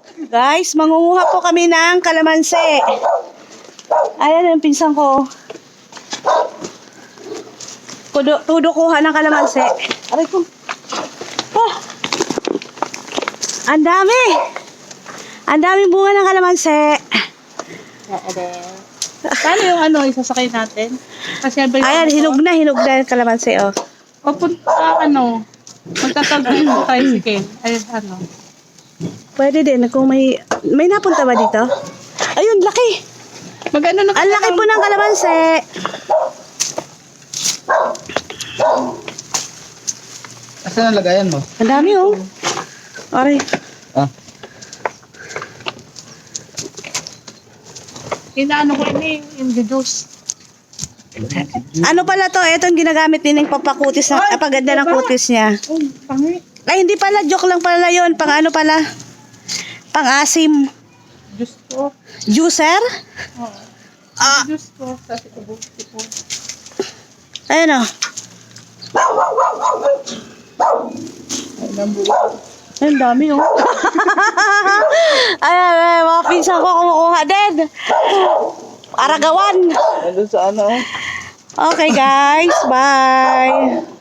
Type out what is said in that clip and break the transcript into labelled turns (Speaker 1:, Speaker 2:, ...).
Speaker 1: Guys, mangunguha po kami ng kalamansi. Ayan yung pinsan ko. Tudo kuha ng kalamansi. Aray ko. Oh. Ang dami. Ang daming bunga ng kalamansi.
Speaker 2: Paano yung isasakay natin? Kasi
Speaker 1: Ayan, hinog na yung kalamansi, oh.
Speaker 2: Papunta, magtatagay yung tricycle. Ay,
Speaker 1: Pwede din, kung may napunta ba dito? Ayun, laki.
Speaker 2: na
Speaker 1: Ang laki po ng kalamansi.
Speaker 3: Asan ang lagayan mo?
Speaker 1: Ang dami, oh. Aray.
Speaker 3: Ah.
Speaker 2: Inaano ko yung juice.
Speaker 1: Ano pala to? Ito yung ginagamit din ng papakutis na, paganda ng kutis niya.
Speaker 2: Oh, pangit.
Speaker 1: Ay, hindi pala. Joke lang pala yun. Pang ano pala? Pang asim.
Speaker 2: Juice ko.
Speaker 1: Juicer?
Speaker 2: Oo. Juice ko. Kasi ubos ko.
Speaker 1: Ayun, oh. Ay, ang dami, oh. Ay, mga pinsan ko kumukuha din. Aragawan.
Speaker 3: Nandun sa ano?
Speaker 1: Okay, guys. Bye.